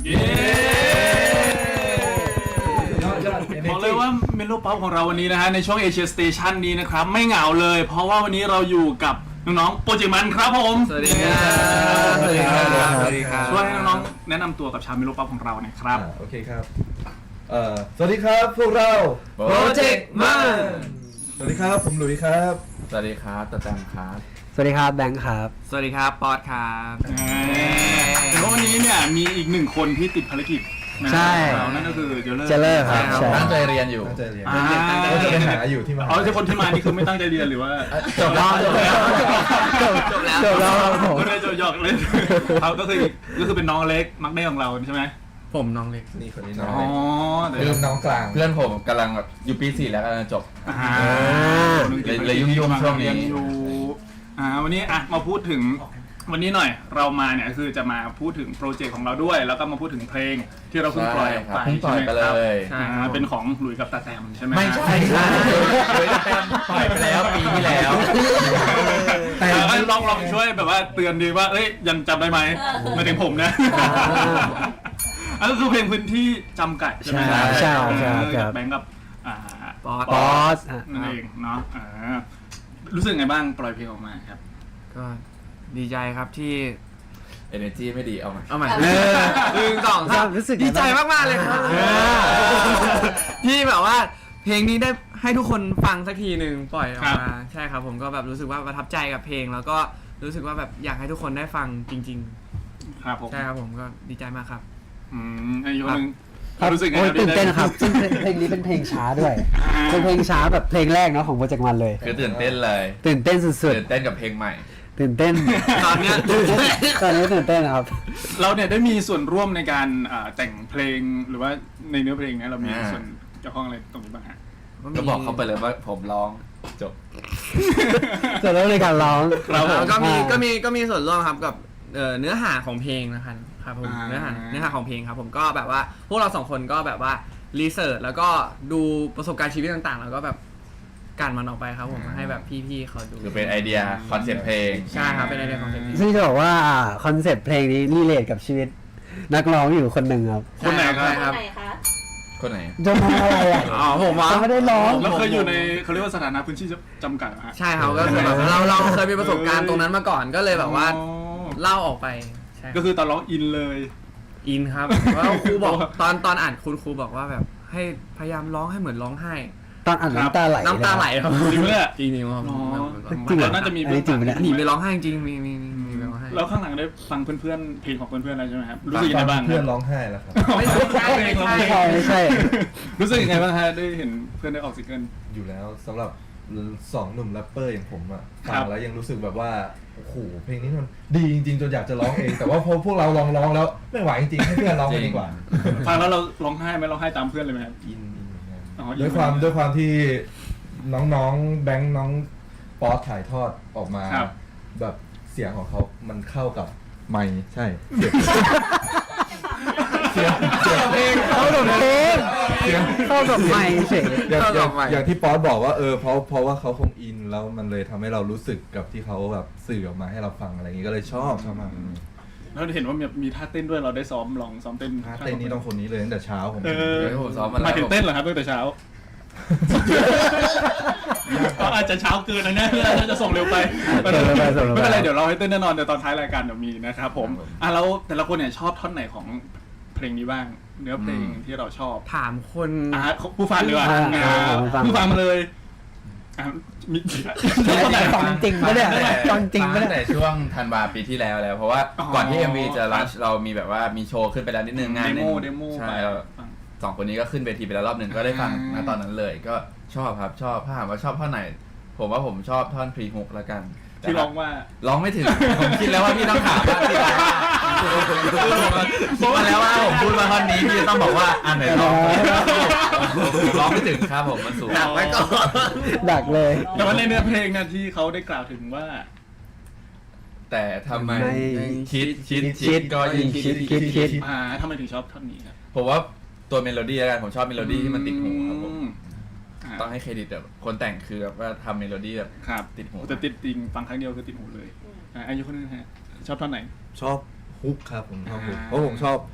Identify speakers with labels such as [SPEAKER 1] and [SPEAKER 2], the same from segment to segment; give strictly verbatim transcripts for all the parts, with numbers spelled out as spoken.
[SPEAKER 1] บอกเลยว่าเมโลป๊อปของเราวันนี้นะฮะในช่วงเอเชียสเตชันนี้นะครับไม่เหงาเลยเพราะว่าวันนี้เราอยู่กับน้องๆโปรเจกต์มันครับผม
[SPEAKER 2] สวัสดีครับสวัสดีครับสวัสดีครับ
[SPEAKER 1] ช่วยให้น้องๆแนะนำตัวกับชาวเมโลป๊อปของเราหน่อยครับ
[SPEAKER 3] โอเคครับเอ่อสวัสดีครับพวกเรา
[SPEAKER 2] โปรเจกต์มัน
[SPEAKER 3] สวัสดีครับผมหลุยส์ครับ
[SPEAKER 2] สวัสดีครับตะแตมครับ
[SPEAKER 4] สวัสดีครับแบงค์ครับ
[SPEAKER 2] สวัสดีครับปอดครับ
[SPEAKER 1] แต่ว่าวันนี้เนี่ยมีอีกหนึ่งคนที่ติดภารกิจ
[SPEAKER 4] ใช่
[SPEAKER 1] นั่นก็คือเจเลอร์
[SPEAKER 4] เจเลอร์ครับ
[SPEAKER 2] ตั้งใจเรียนอยู่
[SPEAKER 3] ตั้งใจเรียนเขาจะไปหาอยู่ที่มหา
[SPEAKER 1] อ๋อที่คนที่มานี่คือไม่ตั้งใจเรียนหรือว่า
[SPEAKER 2] จบแล้วจบแล้ว
[SPEAKER 4] จบแล้วจบแล้วผม
[SPEAKER 1] ไม่ได้จบหยอกเลยเขาก็คือก็คือเป็นน้องเล็กมักได้ของเราใช่ไหม
[SPEAKER 2] ผมน้องเล็ก
[SPEAKER 3] นี่คนนี้น้อง
[SPEAKER 1] อ๋อ
[SPEAKER 3] เริ่มน้องกลาง
[SPEAKER 2] เพื่อนผมกำลังอยู่ปีสี่แล้วกำลังจบเลยยุ่งๆช่วงนี้
[SPEAKER 1] อ่าวันนี้อ่ะมาพูดถึงวันนี้หน่อยเรามาเนี่ยคือจะมาพูดถึงโปรเจกต์ของเราด้วยแล้วก็มาพูดถึงเพลงที่เราเพิ่งปล่อยออกไป
[SPEAKER 2] ใช่ไหมครับ
[SPEAKER 1] ใช่เป็นของหลุยส์กับตาแตมใช่ไหม
[SPEAKER 2] ไม่ใช่หลุยส์กับตาแตมปล่อยไปแล้วปีที่แล้ว
[SPEAKER 1] แต่ลองลองช่วยแบบว่าเตือนดีว่าเอ้ยยังจำได้ไหมมาถึงผมนะอันก็คือเพลงพื้นที่จำกัดใช่ไหมครับ
[SPEAKER 4] ใช่ใช่
[SPEAKER 1] แบงก์กับ
[SPEAKER 4] ปอส
[SPEAKER 1] นั่นเองเนาะรู้สึกไงบ้างปล่อยเพลงออกมาครับ
[SPEAKER 2] ก็ดีใจครับที่ energy ไม่ดีเอาใหม่
[SPEAKER 4] เอาใหม่
[SPEAKER 2] หนึ่งสองสาม
[SPEAKER 4] รู้สึก
[SPEAKER 2] ดีใจมากๆเลยครับที่แบบว่าเพลงนี้ได้ให้ทุกคนฟังสักทีหนึ่งปล่อยออกมาใช่ครับผมก็แบบรู้สึกว่าประทับใจกับเพลงแล้วก็รู้สึกว่าแบบอยากให้ทุกคนได้ฟังจริง
[SPEAKER 1] ๆครับผม
[SPEAKER 2] ใช่ครับผมก็ดีใจมากครับ
[SPEAKER 1] อืมไอ้ยนึง
[SPEAKER 4] รู้สึกไงตื่นเต้นครับซึ่งเพลงนี้เป็นเพลงช้าด้วยเป็นเพลงช้าแบบเพลงแรกเนาะของโปรเจกต์มันเลย
[SPEAKER 2] คือตื่นเต้นเลย
[SPEAKER 4] ตื่นเต้นสุดๆ
[SPEAKER 2] ตื่นเต้นกับเพลงใหม่
[SPEAKER 4] ตื่นเต้น
[SPEAKER 2] ตอนนี้
[SPEAKER 4] ตอนนี้ตื่นเต้นครับ
[SPEAKER 1] เราเนี่ยได้มีส่วนร่วมในการแต่งเพลงหรือว่าในเนื้อเพลงนี้เรามีส่วนเกี่ยวข้องอะไรตรงนี้บ้างฮะ
[SPEAKER 2] ก็บอกเขาไปเลยว่าผมร้องจบ
[SPEAKER 4] ส่วนร่วมในการร้อง
[SPEAKER 2] เราก็มีก็มีก็มีส่วนร่วมครับกับเนื้อหาของเพลงนะครับครับผมเนื้อหาเนื้อหาของเพลงครับผมก็แบบว่าพวกเราสองคนก็แบบว่ารีเสิร์ชแล้วก็ดูประสบการณ์ชีวิตต่างๆแล้วก็แบบกันมันออกไปครับผมให้แบบพี่ๆเขาดู
[SPEAKER 5] คือเป็นไอเดียคอนเซ็ปต์เพลง
[SPEAKER 2] ใช่ครับเป็นไอเดียคอนเซ็ปต์เพลง
[SPEAKER 4] ซึ่งจะบอกว่าคอนเซ็ปต์เพลงนี้รีเลทกับชีวิตนักร้องอยู่คนหนึ่งครับ
[SPEAKER 1] คนไหนครับ
[SPEAKER 5] คนไหน
[SPEAKER 4] จะมาอะไรอ่ะ
[SPEAKER 2] อ๋อผมว่า
[SPEAKER 4] ไม่ได้ร้อง
[SPEAKER 1] เราเคยอยู่ในเขาเรียกว่าสถานะพื้นที่จำกัดฮะ
[SPEAKER 2] ใช่ครับก็คือแบบเราเราเคยมีประสบการณ์ตรงนั้นมาก่อนก็เลยแบบว่าเล่าออกไป
[SPEAKER 1] ก็คือตอนร้องอินเลย
[SPEAKER 2] อินครับเพราะครูบอกตอนตอนอ่านคุณครูบอกว่าแบบให้พยายามร้องให้เหมือนร้องไห้
[SPEAKER 4] ตอนอ่านน้ำตาไหล
[SPEAKER 2] น้ำตาไหลครับ
[SPEAKER 1] จริงเลย
[SPEAKER 2] จริงจริงครับ
[SPEAKER 1] จริงน่าจะมี
[SPEAKER 4] จริงไหม
[SPEAKER 2] หนีไปร้องไห้จริงมีมีมีไปร้องไห้
[SPEAKER 1] แล้วข้างหลังได้ฟังเพื่อนๆเพลงของเพื่อนๆอะไรใช่ไหมครับรู้สึกยังไงบ้าง
[SPEAKER 3] เพื่อนร้องไห้แล้วครับ
[SPEAKER 2] ไม่ใช่ไม่ใช่
[SPEAKER 4] ไม่ใช่
[SPEAKER 1] รู้สึกยังไงบ้างฮะได้เห็นเพื่อนได้ออกซิงเกิล
[SPEAKER 3] อยู่แล้วสำหรับสองหนุ่มแรปเปอร์อย่างผมอ่ะฟังแล้วยังรู้สึกแบบว่าโอ้โหเพลงนี้มันดีจริงๆจนอยากจะร้องเองแต่ว่าพอพวกเราลองร้องแล้วไม่ไหวจริงๆให้เพื่อนร้องกันดีกว่า
[SPEAKER 1] ฟังแล้วเราร้องไห้ไหมร้องไห้ตามเพื่อนเลยไหมครับ
[SPEAKER 3] อินด้วยความด้วยความที่น้องๆแบงค์น้องป๊อตถ่ายทอดออกมาแบบเสียงของเขามันเข้ากับไมค์ใช่เสียงเสียงเพลง
[SPEAKER 4] เข้ากับเพลงเข้ากับไมค์เฉย
[SPEAKER 3] อย่างที่ป๊อตบอกว่าเออเพราะเพราะว่าเขาคงอินแล้วมันเลยทำให้เรารู้สึกกับที่เขาแบบสื่อออกมาให้เราฟังอะไรอย่างนี้ก็เลยชอบชอบมาก
[SPEAKER 1] แล้วเห็นว่ามีมีท่าเต้นด้วยเราได้ซ้อมลองซ้อมเต้น
[SPEAKER 3] ท่าเต้นนี้ต้องคนนี้เลยตั้งแต่เช้าผม
[SPEAKER 1] ผมซ้อมมาแล้วมาถึงเต้นเหรอครับตั้งแต่เช้าก็อาจจะเช้าเกินนะเนี่ยเราจะส่งเร็วไปไม่เป็นไรเดี๋ยวเราให้เต้นแน่นอนเดี๋ยวตอนท้ายรายการเดี๋ยวมีนะครับผมอ่ะแล้วแต่ละคนเนี่ยชอบท่อนไหนของเพลงนี้บ้างเนื้อเพลงที่เราชอบ
[SPEAKER 2] ถามคน
[SPEAKER 1] อ่ะผู้ฟังเลยว่ะผู้ฟังมาเลย
[SPEAKER 4] มีฟังจริงไม่ได้ฟังจริงไม่ได้
[SPEAKER 5] แต่ช่วงธันวาปีที่แล้วแล้วเพราะว่าก่อนที่ เอ็ม วี จะรัชเรามีแบบว่ามีโชว์ขึ้นไปแล้วนิดนึงงานนึงใช่สองคนนี้ก็ขึ้นเวทีไปแล้วรอบหนึ่งก็ได้ฟังณตอนนั้นเลยก็ชอบครับชอบถ้าถามว่าชอบท่อนไหนผมว่าผมชอบท่อนพรีฮุกละกัน
[SPEAKER 1] ที่ร้องว่า
[SPEAKER 5] ร้องไม่ถึงผมคิดแล้วว่าพี่ต้องถามว่าพี่ร้องพูดมาแล้วว่าผมพูดมาท่อนนี้พี่ต้องบอกว่าอันไหนร้องร้องไม่ถึงครับผมมันสูง
[SPEAKER 2] ดักไว้ก่อน
[SPEAKER 4] ดักเลย
[SPEAKER 1] แต่ว่าในเนื้อเพลงนะที่เขาได้กล่าวถึงว่า
[SPEAKER 5] แต่ทำไมคิดคิดคิดก็ยิ่งคิด
[SPEAKER 4] คิดคิด
[SPEAKER 1] อ่าทำไมถึงชอบท่อนนี้ครับ
[SPEAKER 5] ผมว่าตัวเมโลดี้แล้วกันผมชอบเมโลดี้ที่มันติดหูครับผมต้องให้เครดิตแบบคนแต่งคือแบบว่าทำเมโลดี้แบบติดหู
[SPEAKER 1] แต่ติดจริงฟังครั้งเดียวคือติดหูเลยอ่าอายุคนนึงฮะชอบท่อนไหน
[SPEAKER 3] ชอบฮุกครับผมชอบฮุกเพราะผมชอบผ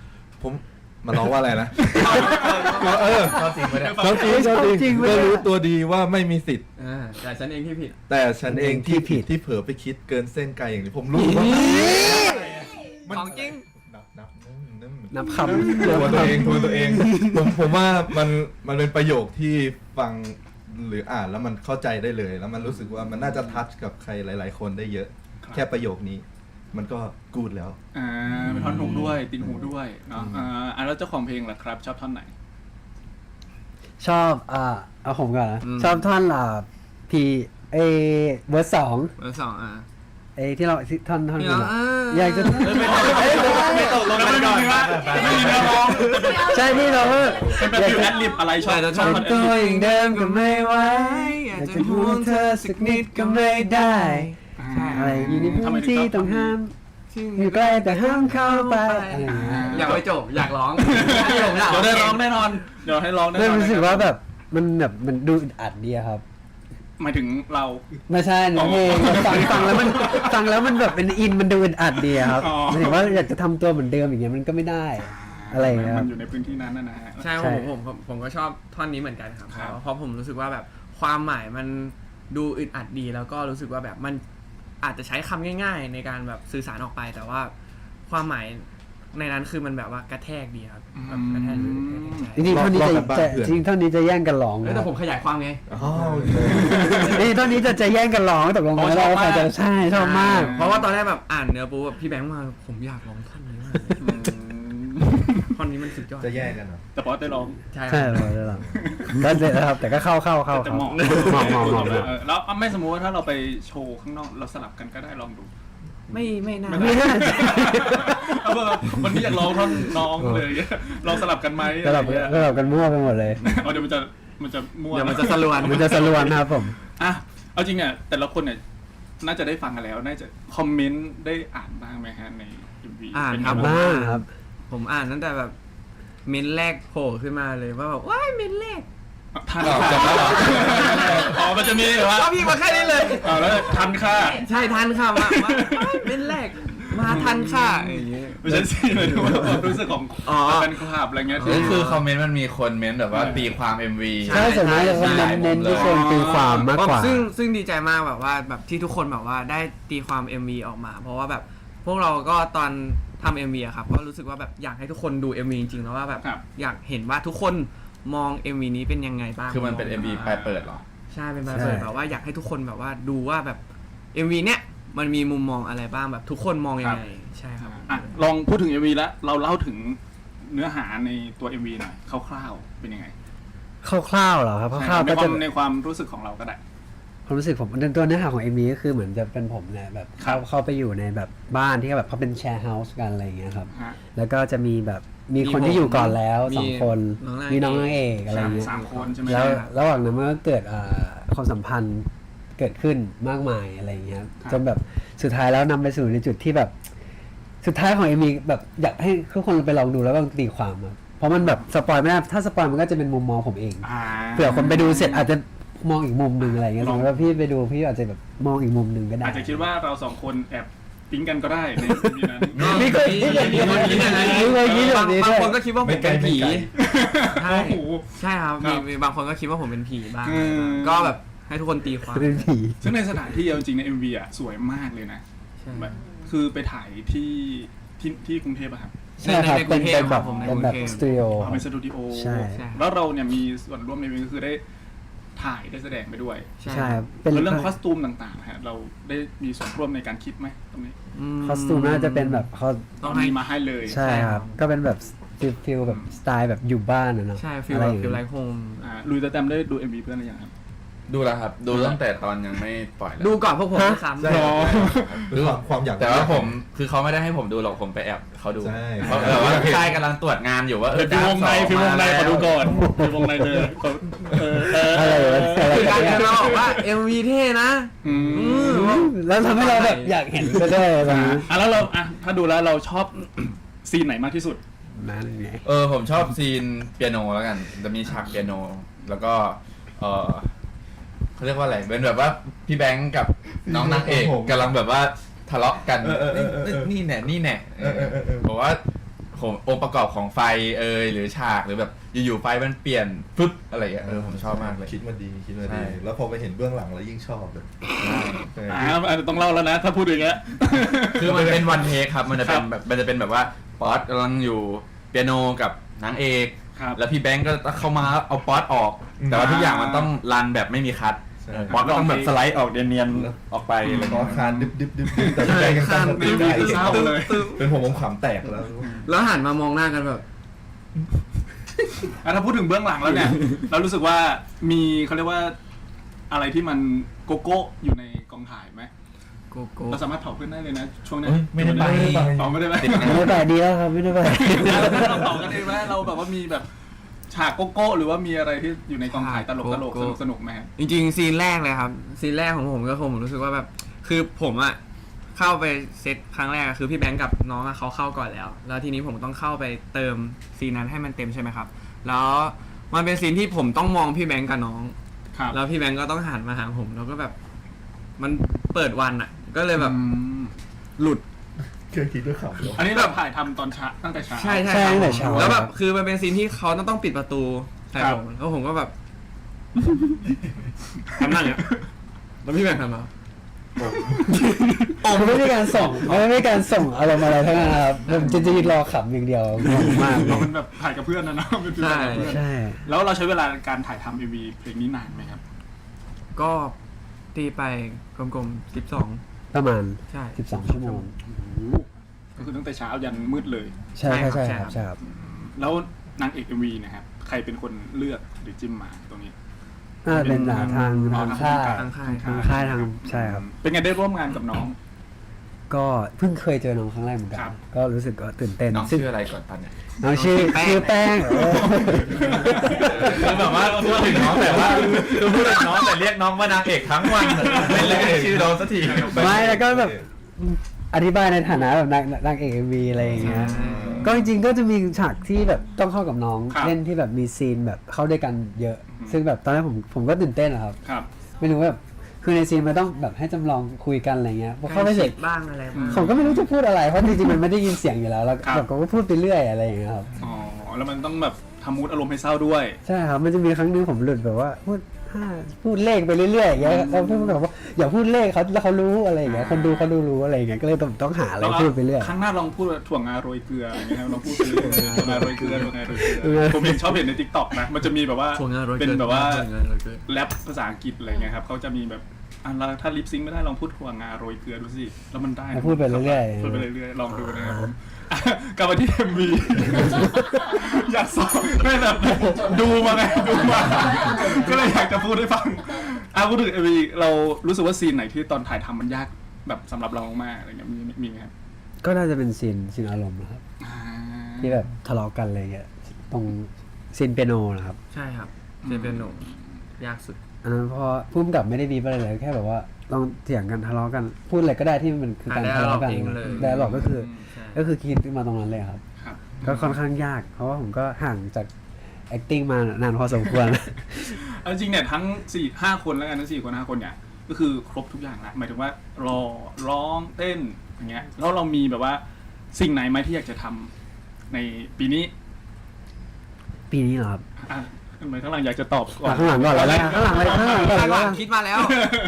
[SPEAKER 3] ผมมันร้องว่าอะไรนะเออ
[SPEAKER 5] ชอบจริงไม่ได้
[SPEAKER 3] ชอบจริงชอบจริงก็รู้ตัวดีว่าไม่มีสิทธิ์
[SPEAKER 2] อ่าแต่ฉันเองที่ผิด
[SPEAKER 3] แต่ฉันเองที่ผิดที่เผลอไปคิดเกินเส้นไกลอย่างนี้ผมรู้ว่า
[SPEAKER 2] ของจริง
[SPEAKER 3] นับนับนับนับ
[SPEAKER 4] นับค
[SPEAKER 3] ตัวตัวเองตัวตัวเองผมผมว่ามันมันเป็นประโยคที่ฟังหรืออ่านแล้วมันเข้าใจได้เลย แล้วมันรู้สึกว่ามันน่าจะทัชกับใครหลาย ๆ คนได้เยอะ แค่ประโยคนี้ มันก็กูดแล้ว
[SPEAKER 1] อ่าเป็นท่อนฮุกด้วยตินหูด้วยเนาะอ่าอ่าแล้วเจ้าของเพลงล่ะครับชอบท่อนไหน
[SPEAKER 4] ำชอบอ่าเอาผมก่อนนะ
[SPEAKER 2] อืม
[SPEAKER 4] ชอบท่อนอ่าพีเอเวอร์สอง
[SPEAKER 2] เบอร์สองอ่ะ
[SPEAKER 4] เอที่เราที่ท่อนท่อน
[SPEAKER 2] ที่
[SPEAKER 4] นี้
[SPEAKER 2] เรา
[SPEAKER 4] อะ
[SPEAKER 2] อ่า
[SPEAKER 4] อยากจะ
[SPEAKER 1] ไม่ตกลงกันก่อนไม่มีเนื้อร้อง
[SPEAKER 4] ใช่ที่เราก็
[SPEAKER 1] เป็นแบบฟิวแอดลิปอะไรชอบชอบ
[SPEAKER 4] เป็
[SPEAKER 1] ท่อน นแอด
[SPEAKER 4] ตัว
[SPEAKER 1] ลิป
[SPEAKER 4] อย่างเดิมก็ไม่ไหวอยากจะห่วงเธอสักนิดก็ไม่ได้อะไรอยู่ในพื้นที่ต้องห้ามอยู่ใกล้แต่ห้ามเข้าไปอะไรอย่างเงี้ย
[SPEAKER 2] อยากไปจบอยากร้องผมอยาก
[SPEAKER 1] เดี๋ยวได้ร้องแน่นอนเดี๋ยวให้ร้องแน่น
[SPEAKER 4] เริ่ม
[SPEAKER 1] อน
[SPEAKER 4] รู้สึกว่าแบบมันแบบมันดูอึดอัดดีอะครับ
[SPEAKER 1] หมายถึงเรา
[SPEAKER 4] ไม่ใช่เนื้อเพลงแบบฟังฟังแล้วมันฟังแล้วมันแบบเป็นอินมันดูอึดอัดดีอะครับ
[SPEAKER 1] อ๋อ
[SPEAKER 4] หมายถึงว่าอยากจะทำตัวเหมือนเดิมอย่างเงี้ยมันก็ไม่ได้ อะไรอย่างเงี้ยค
[SPEAKER 1] มั
[SPEAKER 4] รับ
[SPEAKER 1] นอยู่ในพื้นที่นั้นนะนะฮะ
[SPEAKER 2] ใช่
[SPEAKER 4] ใช่
[SPEAKER 2] ผมผมผมผมก็ชอบท่อนนี้เหมือนกันครับ
[SPEAKER 1] ครับ
[SPEAKER 2] เพราะผมรู้สึกว่าแบบความหมายมันดูอึดอัดดีแล้วก็รู้สึกว่าแบบมันอาจจะใช้คำง่าย ๆ ในการแบบสื่อสารออกไป แต่ว่าความหมายในนั้นคือมันแบบว่ากระแทกดีครับแบบกระแทกเลยกระแทกใจ
[SPEAKER 4] จริงๆเท่านี้จะ
[SPEAKER 3] รอบๆกันบ้าน
[SPEAKER 4] จะ
[SPEAKER 3] เพื่อน
[SPEAKER 4] จริงๆเท่านี้จะแย่งกันร้อง
[SPEAKER 2] เอ้ย
[SPEAKER 4] นะค
[SPEAKER 2] แต่
[SPEAKER 4] รับ
[SPEAKER 2] ผมขยายความไง
[SPEAKER 3] อ๋อโอเค
[SPEAKER 4] นี่เท่านี้จะจะแย่งกันร้องตกลงกันแล้วว่าใครจะใช่ชอบมาก
[SPEAKER 2] เพราะว่าตอนแรกแบบอ่านเนื้อปุ๊บแบบพี่แบงค์มาผมอยากร้องท่อนนี้มากเลย
[SPEAKER 1] อืม
[SPEAKER 2] ท่อนนี้มันสุดยอด
[SPEAKER 3] จะแย่งกันเหรอ
[SPEAKER 1] แต่พอได้ร้อง
[SPEAKER 2] ใช่
[SPEAKER 4] ใช่เลยได้หรอก็เสร็จแล้วครับแต่ก็เข้าเข้าเข้า
[SPEAKER 1] แต่
[SPEAKER 4] เข้า
[SPEAKER 1] เหมาะ
[SPEAKER 4] เหมาะเหมาะเหมาะ
[SPEAKER 1] เออแล้วไม่สมมุติว่าถ้าเราไปโชว์ข้างนอกเราสลับกันก็ได้ลองดู
[SPEAKER 2] ไม่ไม่น่า
[SPEAKER 4] ไม่น่าจะ
[SPEAKER 1] เอาแบบวันนี้อยากร้องท่อนน้องเลยลองสลับกันไหม
[SPEAKER 4] สลับ
[SPEAKER 1] อะไรอย่างเงี้ย
[SPEAKER 4] สลับกันมั่วไปหมดเลย
[SPEAKER 1] เอาเดี๋ยวมันจะมันจะมั่ว
[SPEAKER 2] เดี๋ยวมันจะสลวน
[SPEAKER 4] มันจะสลวนนะครับผม
[SPEAKER 1] อ่ะเอาจริงเนี่ยแต่ละคนเนี่ยน่าจะได้ฟังกันแล้วน่าจะคอมเมนต์ได้อ่านบ้างไหมฮะใน เอ็ม วี
[SPEAKER 2] อ่าน
[SPEAKER 1] เป็
[SPEAKER 2] ครับ
[SPEAKER 1] ไง
[SPEAKER 4] บ้างครับ
[SPEAKER 2] ผมอ่านตั้งแต่แบบเมนแรกโผล่ขึ้นมาเลยว่าแบบว้ายเมนแรก
[SPEAKER 1] ทันค่ะอ๋อมันจะมีแบบว่า
[SPEAKER 2] ก็พี่มาแค่นี้เลย
[SPEAKER 1] อ๋อแล้วทันค่ะ
[SPEAKER 2] ใช่ทันค่ะมามาว้ายเมนแรกมาทันค่ะอย่างเงี้ย
[SPEAKER 1] ไม่ใช่สิหมายถึงว่าความรู้สึกของ
[SPEAKER 2] อ๋อ
[SPEAKER 1] แฟนคลับอะไรเงี้ยที่
[SPEAKER 5] นี่คือคอมเมนต์มันมีคนเม้นต์แบบว่าตีความ เอ็ม วี
[SPEAKER 2] ใช่
[SPEAKER 4] ใช่ส่วนมากจะเน้นเน้นที่คนตีความมากกว่า
[SPEAKER 2] ซึ่งซึ่งดีใจมากแบบว่าแบบที่ทุกคนแบบว่าได้ตีความ เอ็ม วี ออกมา เพราะว่าแบบพวกเราก็ตอนทำ เอ็ม วี อะครับก็รู้สึกว่าแบบอยากให้ทุกคนดู เอ็ม วี จริงๆแล้วว่าแบบ
[SPEAKER 1] ครับ
[SPEAKER 2] อยากเห็นว่าทุกคนมอง เอ็ม วี นี้เป็นยังไงบ้าง
[SPEAKER 5] คือมันเป็น เอ็ม วี ปลายเปิดเหรอ
[SPEAKER 2] ใช่เป็นแบบเปิดแบบว่าอยากให้ทุกคนแบบว่าดูว่าแบบ เอ็ม วี เนี้ยมันมีมุมมองอะไรบ้างแบบทุกคนมองยังไงใช่ครับ
[SPEAKER 1] อ่ะลองพูดถึง เอ็ม วี แล้วเราเล่าถึงเนื้อหาในตัว เอ็ม วี หน่อยคร่าวๆเป็นยังไง
[SPEAKER 4] คร่าวๆเหรอครับคร่าวๆ
[SPEAKER 1] ใน
[SPEAKER 4] ก็
[SPEAKER 1] ควา
[SPEAKER 4] จะ
[SPEAKER 1] มในความรู้สึกของเราก็ได้
[SPEAKER 4] ความรู้สึกผมตัวเนื้อหาของเอ็มวีก็คือเหมือนจะเป็นผมเนี่ยแบบ
[SPEAKER 1] ครั
[SPEAKER 4] เข้า
[SPEAKER 1] บ
[SPEAKER 4] เข้าไปอยู่ในแบบบ้านที่แบบเขาเป็นแชร์เฮาส์กันอะไรอย่างเงี้ยครับ
[SPEAKER 1] ฮะ
[SPEAKER 4] แล้วก็จะมีแบบมี
[SPEAKER 2] มี
[SPEAKER 4] คนที่อยู่ก่อนแล้ว
[SPEAKER 2] มี
[SPEAKER 4] สองคน
[SPEAKER 2] น้องนาง
[SPEAKER 4] มีน้อง
[SPEAKER 2] เอก
[SPEAKER 4] นางเอกอะไรอย่างเงี้ย
[SPEAKER 1] สามคนใช่ไหม
[SPEAKER 4] แล้ว
[SPEAKER 1] ครับ
[SPEAKER 4] ระหว่างนั้นมันก็เกิดอ่าความสัมพันธ์เกิดขึ้นมากมายอะไรอย่างเงี้ย
[SPEAKER 1] ครับ
[SPEAKER 4] จนแบบสุดท้ายแล้วนำไปสู่ในจุดที่แบบสุดท้ายของเอ็มวีแบบอยากให้ทุกคนไปลองดูแล้วก็ตีความอะเพราะมันแบบสปอยไม่ได้ถ้าสปอยมันก็จะเป็นมุมมองผมเอง
[SPEAKER 1] อ่า
[SPEAKER 4] เผื่อคนไปดูเสร็จอาจจะมองอีกมุมหนึ่งอะไรอย่างเงี้ยสมมติว่าพี่ไปดูพี่อาจจะแบบมองอีกมุมหนึ่งก็ได้
[SPEAKER 1] อาจจะคิดว่าเราสองคนแอบปิ๊งกันก็ได้ใน มีนั้น
[SPEAKER 4] มีเคยคิดอย่างนี้
[SPEAKER 2] มีคนคิดอย่างนั้น
[SPEAKER 4] มีเคยคิดแบบนี้
[SPEAKER 2] บาง
[SPEAKER 4] ด้วย
[SPEAKER 2] คนก็คิดว่าผมเป็นผี ใช่
[SPEAKER 1] โอ้โห
[SPEAKER 2] ใช่ครับ
[SPEAKER 1] ครั
[SPEAKER 2] มี
[SPEAKER 1] บ
[SPEAKER 2] มีบางคนก็คิดว่าผมเป็นผีบ้าง
[SPEAKER 1] อืม
[SPEAKER 2] ก็แบบให้ทุกคนตีความ
[SPEAKER 4] เป็นผี
[SPEAKER 1] ซึ่งในสถานที่เอาจริงใน เอ็ม วี อ่ะสวยมากเลยนะ
[SPEAKER 2] ใช่
[SPEAKER 1] แบบคือไปถ่ายที่ที่ที่กรุงเทพอะครับ
[SPEAKER 4] ใช่ครับ
[SPEAKER 2] ในกรุ
[SPEAKER 4] เป็น
[SPEAKER 2] งเท
[SPEAKER 4] เป็
[SPEAKER 2] พ
[SPEAKER 4] น
[SPEAKER 2] ค
[SPEAKER 4] แบ
[SPEAKER 2] รับบ ผมใน
[SPEAKER 4] เป็น
[SPEAKER 2] กรุ
[SPEAKER 4] แบ
[SPEAKER 2] ง
[SPEAKER 4] บ
[SPEAKER 2] เทพ
[SPEAKER 4] สตูดิโอ
[SPEAKER 1] อ๋อเป็นสตูดิโอ
[SPEAKER 4] ใช่
[SPEAKER 2] ใช่
[SPEAKER 1] แล้วเราเนี่ยมีส่วนร่วมในนี้ก็คือได้ถ่ายได้แสดงไปด้วย
[SPEAKER 2] ใช่
[SPEAKER 4] ใช่ครับเป็น
[SPEAKER 1] แล้วเรื่องคอสตูมต่างๆฮะเราได้มีส่วนร่วมในการคิดไหมตรงนี้
[SPEAKER 4] คอสตูมน่าจะเป็นแบบเขา
[SPEAKER 2] ต้องให้
[SPEAKER 1] มีมาให้เลย
[SPEAKER 4] ใช่ครับ ก็เป็นแบบฟิลฟิลแบบสไตล์แบบอยู่บ้านนะเนาะ
[SPEAKER 2] ใช่ฟีล
[SPEAKER 4] อะไร
[SPEAKER 2] แบ
[SPEAKER 4] อบ ย่าง
[SPEAKER 2] ฟีลไล
[SPEAKER 4] เงี้ย
[SPEAKER 2] ท์โฮม
[SPEAKER 1] อ่าลุยตะแตมได้ดู เอ็ม วี เพื่อนหรือยังครับ
[SPEAKER 5] ดูแล้วครับ ดูตั้งแต่ตอนยังไม่ปล่อยแล้ว
[SPEAKER 2] ดูก่อนพวกผมด้วยซ้ำ
[SPEAKER 3] ใช่หรือความความอยาก
[SPEAKER 5] แต่ว่าผมคือเขาไม่ได้ให้ผมดูหรอกผมไปแอบเขาดู
[SPEAKER 3] ใช่
[SPEAKER 5] เขาแบบว่าค่ายกำลังตรวจงานอยู่ว่าเออ
[SPEAKER 1] ฟิววงในฟิววงในขอดูก่อนฟิววงในเลยขอเออเออ
[SPEAKER 4] อะไรวะอะไร
[SPEAKER 2] คือการ
[SPEAKER 4] กัน
[SPEAKER 2] ที่เราบอกว่า เอ็ม วี เท่นะ
[SPEAKER 1] อืม
[SPEAKER 2] อืม
[SPEAKER 4] แล้วทำให้เราแบบอยากเห็นก็ได้ตรงนี้
[SPEAKER 1] อ่ะแล้วเราอ่ะถ้าดูแล้วเราชอบ ซีนไหนมากที่สุด
[SPEAKER 4] นั่นไง
[SPEAKER 5] เออผมชอบซีนเปียโนแล้วกันจะมีฉากเปียโน แล้วก็เออเขาเรียกว่าอะไรเป็นแบบว่าพี่แบงค์กับน้องนางเอกกำลังแบบว่าทะเลาะกัน
[SPEAKER 3] เออเออเออเออ
[SPEAKER 5] นี่แน่นี่แน่
[SPEAKER 3] เออเออเออเออ
[SPEAKER 5] บอกว่าผมองค์ประกอบของไฟเอยหรือฉากหรือแบบอยู่ๆไฟมันเปลี่ยนฟึบอะไรอย่างเงี้ยเออผมชอบมากเลย
[SPEAKER 3] คิดมาดีคิดมา
[SPEAKER 5] ใช่
[SPEAKER 3] ดี แล้วพอไปเห็นเบื้องหลังแล้วยิ่งชอบเลยใช่
[SPEAKER 1] อ่าอาจจะต้องเล่าแล้วนะ ถ้าพูดอย่างเงี้ย
[SPEAKER 5] คือมันเป็นวันเทคครับมันจะเป็น
[SPEAKER 1] ครับ
[SPEAKER 5] แบบมันจะเป็นแบบว่าป๊อตกำลังอยู่เปียโนกับนางเอก
[SPEAKER 1] ครับ
[SPEAKER 5] แล้วพี่แบงก์ก็เข้ามาเอาป๊อตออก แต่ว่าทุกอย่างมันต้องรันแบบไม่มีคัท
[SPEAKER 3] ใช่
[SPEAKER 5] เออป๊อตก็ต้องแบบสไลด์ออกเนียนๆออกไปอะไร
[SPEAKER 3] แล้ว
[SPEAKER 5] เงี้
[SPEAKER 3] ก็
[SPEAKER 5] ย
[SPEAKER 3] คานดึบดึบดึบดึบแต่พี่แบงค์ยังตั้งสติได้
[SPEAKER 1] เศร้าเลย
[SPEAKER 3] เป็นผมผมขำแตกแล้ว
[SPEAKER 2] แล้วหันมามองหน้ากันแบบ
[SPEAKER 1] อ่ะถ้าพูดถึงเบื้องหลังแล้วเนี่ย เรารู้สึกว่ามีเขาเรียกว่าอะไรที่มันโกโก้อยู่ในกองถ่ายไหม
[SPEAKER 2] โกโก้
[SPEAKER 1] เราสามารถเผาเพื่อนได้เลยนะช่วงนี้
[SPEAKER 5] เอ้ยไม่ได้ไป
[SPEAKER 1] เผาไม่ได้ไหม
[SPEAKER 5] ติดงาน
[SPEAKER 4] ไม่ได้ไปดีแล้วครับไม่ได้ไป
[SPEAKER 1] เราเผากันเองไหมเราแบบว่ามีแบบฉากโกโก้หรือว่ามีอะไรที่อยู่ในกองถ่ายตลกตลกสนุกสนุกไหมครับ
[SPEAKER 2] จริงๆซีนแรกเลยครับซีนแรกของผมก็คงผมรู้สึกว่าแบบคือผมอะเข้าไปเซตครั้งแรกอะคือพี่แบงค์กับน้องอะเขาเข้าก่อนแล้ว แล้วทีนี้ผมต้องเข้าไปเติมซีนนั้นให้มันเต็มใช่ไหมครับ แล้วมันเป็นซีนที่ผมต้องมองพี่แบงค์กับน้อง
[SPEAKER 1] ครับ
[SPEAKER 2] แล้วพี่แบงค์ก็ต้องหันมาหาผมแล้วก็แบบ มันเปิดวันอะก็เลยแบบ
[SPEAKER 1] อืม
[SPEAKER 2] หลุด
[SPEAKER 3] เคยคิดด้วยขำเลย
[SPEAKER 1] อันนี้เราถ่ายทำตอนเช้าตั้งแต่เช้า
[SPEAKER 2] ใช่ใช่
[SPEAKER 4] ใช่
[SPEAKER 2] ครับ
[SPEAKER 4] ตั้งแต่เช้า
[SPEAKER 2] แล้วแบบคือมันเป็นซีนที่เขาต้องต้องปิดประตูใส่
[SPEAKER 1] ครับ
[SPEAKER 2] ผมแล้วผมก็แบบ ทำนั่นเนี่ยแล้วพี่แบงค์ทำมา
[SPEAKER 4] ผมไม่มีการส่งไม่มีการส่งอารมณ์อะไรทั้งนั้นครับผมจะจะยืนรอขำอย่างเดียวงงมาก
[SPEAKER 1] เราเป็นแบบถ่ายกับเพื่อนนะเนาะเป็นฟิลถ่ายกับเพื่อน
[SPEAKER 4] ใช่
[SPEAKER 1] แล้วเราใช้เวลาการถ่ายทำเอ็มวีเพลงนี้นานไหมครับ
[SPEAKER 2] ก็ตีไปกลมๆสิบสอง
[SPEAKER 4] ประมาณ
[SPEAKER 2] ใช่
[SPEAKER 4] สิบสองชั่วโมง
[SPEAKER 1] ก็คือตั้งแต่เช้ายันมืดเลย
[SPEAKER 4] ใช่ใช่
[SPEAKER 2] ใช่
[SPEAKER 4] ใช่
[SPEAKER 2] ค
[SPEAKER 4] ค
[SPEAKER 2] รั
[SPEAKER 4] รับ บใช่ครับ
[SPEAKER 1] แล้วนางเอกเอ็มวีนะครับใครเป็นคนเลือกหรือจิ้มมาตรงนี้
[SPEAKER 4] น่าจะเป็นอ่าทาง
[SPEAKER 1] อ๋อ
[SPEAKER 4] ทางค่าย
[SPEAKER 1] ทาง
[SPEAKER 2] ทางค่าย
[SPEAKER 4] ทางค่ายทางใช่ครับ
[SPEAKER 1] เป็นไงได้ร่วมงานกับน้อง
[SPEAKER 4] ก็เพิ่งเคยเจอน้องครั้งแรกเหมือนกั
[SPEAKER 1] ครั
[SPEAKER 4] น
[SPEAKER 1] บ
[SPEAKER 4] ก็รู้สึกก็ตื่นเต้น
[SPEAKER 5] น้อง
[SPEAKER 4] ซึ่ง
[SPEAKER 5] ชื่ออะไรก่อนตอนเนี้ย
[SPEAKER 4] น้องชื่อชื่อแป้งเออ
[SPEAKER 5] คือแบบว่าพูดถึงน้องแต่ว่าคือพูดถึงน้องแต่เรียกน้องว่านางเอกทั้งวันไม่เรียกชื่อน้องสักที
[SPEAKER 4] ไม่แล้วก็แบบอธิบายในฐานะแบบนางนางเอกเอ็มวีอะไรอย่างเงี้ยก็จริงๆก็จะมีฉากที่แบบต้องเข้ากับน้อง
[SPEAKER 1] ครับ
[SPEAKER 4] เล่นที่แบบมีซีนแบบเข้าด้วยกันเยอะ ซึ่งแบบตอนแรกผมผมก็ตื่นเต้นอะครับ
[SPEAKER 1] ครับ
[SPEAKER 4] ไม่รู้ว่าแบบคือในซีนมันต้องแบบให้จำลองคุยกันอะไรเงี้ยพอเข้าไปเสร็จ
[SPEAKER 2] บ้างอะไรบ้าง
[SPEAKER 4] ผมก็ไม่รู้จะพูดอะไรเพราะจริงๆมันไม่ได้ยินเสียงอยู่แล้วแล้ว
[SPEAKER 1] ครับ
[SPEAKER 4] แบบก็พูดไปเรื่อยอะไรอย่างเงี้ยครับ
[SPEAKER 1] อ๋อแล้วมันต้องแบบทำมูดอารมณ์ให้เศร้าด้วย
[SPEAKER 4] ใช่ครับมันจะมีครั้งนึงผมหลุดแบบว่าพูดห้าพูดเลขไปเรื่อยๆอย่างเงี้ยแล้วพูดแบบว่าอย่าพูดเลขเขาแล้วเขารู้อะไรอย่างเงี้ยคนดูเขาดูรู้อะไรอย่างเงี้ยก็เลยต้องต้องหาอะไรพูดไปเรื่อย
[SPEAKER 1] ครั้งหน้าลองพูดว่าถั่วงาโรยเกลืออะไรเงี้ยครับลองพูดไปเรื่อยถั่วงาโรยเกลือถั่วงาโรยเกลือผมเห็นชอบเห็นในทิกตอกนะมันจะมีแบบว่า
[SPEAKER 2] ถั่วงาโรยเกลือ
[SPEAKER 1] เป็นแบบว่า
[SPEAKER 2] ถั่วงาโรยเกลือ
[SPEAKER 1] แรปภาษาอังกฤษอะไรเงี้ยครับเขาจะมีแบบอ่ะเราถ้าลิปซิงค์ไม่ได้ลองพูดถั่วงาโรยเกลือดูสิแล้วมันได้นะ
[SPEAKER 4] พูดไปเรื่อยๆ
[SPEAKER 1] พูดไปเรื่อยๆลองดูนะครับผมอ่ะกลับมาที่ เอ็ม วี อยากสอนไม่แบบดูมาไงดูมาก็เลยอยากจะพูดให้ฟังอ่ะพูดถึง เอ็ม วี เรารู้สึกว่าซีนไหนที่ตอนถ่ายทำมันยากแบบสำหรับเรามากๆอะไรเงี้ยมีมีไหมครับ
[SPEAKER 4] ก็น่าจะเป็นซีนซีนอารมณ์นะครับ
[SPEAKER 1] อ่า
[SPEAKER 4] ที่แบบทะเลาะกันอะไรเงี้ยตรงซีนเปียโนนะครับ
[SPEAKER 2] ใช่ครับเจเป็นหนุ่มยากสุด
[SPEAKER 4] อันนั้นพอพุ่มกับไม่ได้บีบอะไรเลยแค่แบบว่าต้องเถียงกันทะเลาะกันพูดอะไรก็ได้ที่มันคือการ
[SPEAKER 2] อ่า
[SPEAKER 4] ทะเลาะกัน
[SPEAKER 2] dialogue เองเลย
[SPEAKER 4] แต่หลอกก็คือ
[SPEAKER 2] ใช่
[SPEAKER 4] ก็คือคิดขึ้นมาตรงนั้นเลยครับ
[SPEAKER 1] ครับ
[SPEAKER 4] ก็ค่อนข้างยาก เพราะว่าผมก็ห่างจาก acting มานานพอสมควร
[SPEAKER 1] เอาจริงเนี่ยทั้งสี่ห้าคนแล้วกันทั้งสี่คนห้าคนเนี่ยก็คือครบทุกอย่างละหมายถึงว่ารอร้องเต้นอย่างเงี้ยแล้วเรามีแบบว่าสิ่งไหนไหมที่อยากจะทำในปีนี้
[SPEAKER 4] ปีนี้เหรอครับ
[SPEAKER 1] อ่ะทำไมข้างหลังอยากจะตอบก่อน
[SPEAKER 4] อ่ะข้างหลังก่อนเลยนะข้างหลังเลยข้างหลังก่อนเลย
[SPEAKER 2] ข้างหลัง
[SPEAKER 4] นะ
[SPEAKER 2] คิดมาแล้ว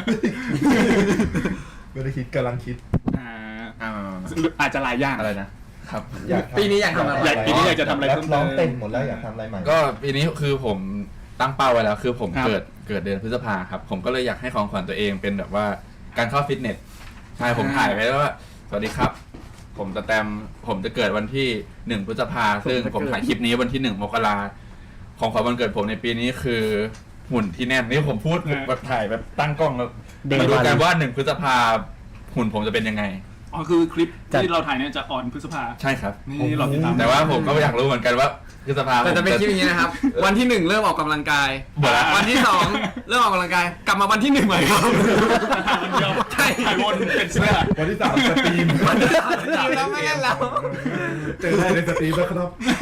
[SPEAKER 3] ไม่ได้คิดกำลังคิด
[SPEAKER 1] อ่า
[SPEAKER 5] อ่า
[SPEAKER 1] อาจจะหลายอย่าง
[SPEAKER 5] อะไรนะครับ
[SPEAKER 3] อยากทำ
[SPEAKER 2] ปีนี้อยากทำอะไร
[SPEAKER 1] อยากปีนี้อยากจะทำอะไร
[SPEAKER 3] แร
[SPEAKER 1] เพิ่
[SPEAKER 3] ป
[SPEAKER 1] มเติม
[SPEAKER 3] ร้องเต้นหมดแล้วอยากทำอะไรใหม่
[SPEAKER 5] ก็ปีนี้คือผมตั้งเป้าไว้แล้วคือผม
[SPEAKER 1] ครับ
[SPEAKER 5] เกิดเกิดเดือนพฤษภาครับ ผมก็เลยอยากให้ของขวัญตัวเองเป็นแบบว่าการเข้าฟิตเนสใช่ผมถ่ายไว้แล้วว่าสวัสดีครับ ผมจะแตมผมจะเกิดวันที่หนึ่งพฤษภาซึ่งผมถ่ายคลิปนี้วันที่หนึ่งมกราของขวัญวันเกิดผมในปีนี้คือหุ่นที่แน่นนี่ผมพูดแบบถ่ายแบบตั้งกล้องแล้ว
[SPEAKER 4] เด้ง
[SPEAKER 5] มาดู
[SPEAKER 4] วัน
[SPEAKER 5] กันว่าหนึ่งพฤษภาหุ่นผมจะเป็นยังไง
[SPEAKER 1] อ๋อคือคลิป
[SPEAKER 4] จัด
[SPEAKER 1] ที่เราถ่ายเนี่ยจะออนพฤษภา
[SPEAKER 5] ใช่ครับ
[SPEAKER 1] นี่เราติดตาม
[SPEAKER 5] แต่ว่าผมก็อยากรู้เหมือนกันว่าพฤษภา
[SPEAKER 2] แต่จะเป็น
[SPEAKER 5] ผม
[SPEAKER 2] คลิปอย่างนี้นะครับ วันที่หนึ่งเริ่มออกกำลังกาย
[SPEAKER 5] หมดละ
[SPEAKER 2] วันที่สองเริ่มออกกำลังกาย กลับมาวันที่หนึ่งใหม่ครับ
[SPEAKER 1] วันเดียว
[SPEAKER 2] ใช่
[SPEAKER 1] ถ่ายวนเป็นเสื้อ
[SPEAKER 3] วันที่สามสตรีม
[SPEAKER 2] แล้วไม่เล่นแล้ว
[SPEAKER 3] เจอได้ในสตรีมแล้วครับ